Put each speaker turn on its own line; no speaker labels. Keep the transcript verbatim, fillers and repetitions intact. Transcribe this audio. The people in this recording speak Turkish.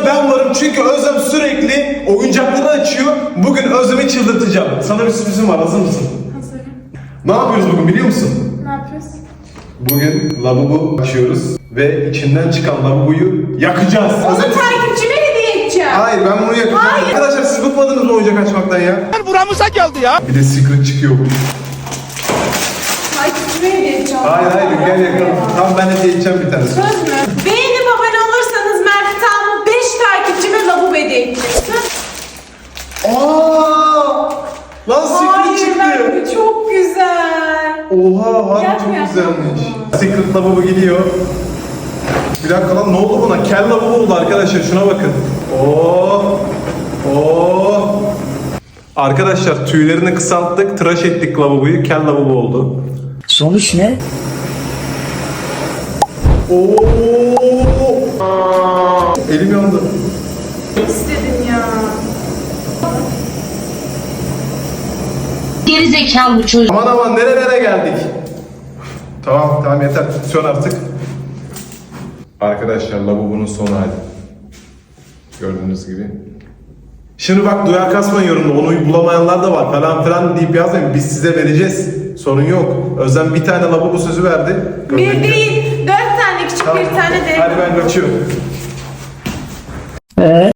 içinde ben varım çünkü Özlem sürekli oyuncakları açıyor. Bugün Özlem'i çıldırtacağım. Sana bir sürprizim var, hazır mısın?
Hazırım.
Ne yapıyoruz bugün biliyor musun?
Ne yapıyoruz?
Bugün lavabo açıyoruz ve içinden çıkan lavaboyu yakacağız.
Onu takipçime hediye edeceğim.
Hayır, ben bunu yakacağım.
Hayır.
Arkadaşlar siz bıkmadınız mı oyuncak açmaktan ya?
Buramıza geldi ya.
Bir de secret çıkıyor bu.
Takipçime hediye edeceğim.
Hayır hayır gel yakalım. Tamam, ben hediye edeceğim bir tane.
Söz mü? Beğenip abone olursanız Mert tam beş takipçime lavabo hediye edeceksin.
Aaa! Lan secret
Hayır
çıktı.
Mert, bu çok güzel.
Oha, harbi
Yapma,
çok
yapma.
güzelmiş. Secret lavabo gidiyor. Bir dakika lan, ne oldu buna? Kel lavabo oldu arkadaşlar, şuna bakın. Oo! Oo! Arkadaşlar tüylerini kısalttık, tıraş ettik lavaboyu, kel lavabo oldu.
Sonuç ne?
Oo! Aa! Elim yandı.
İstedim ya.
Geri zekalı bu çocuk.
Aman aman, nerelere geldik? Tamam tamam, yeter, sön artık. Arkadaşlar lavabonun son hali. Gördüğünüz gibi. Şimdi bak, duyar kasmayın yorumda, onu bulamayanlar da var falan filan deyip yazmayın, biz size vereceğiz. Sorun yok. Özlem bir tane lavabo sözü verdi.
Bir değil, dört tane küçük
Tamam.
bir tane de.
Hadi ben kaçıyorum.
Ee?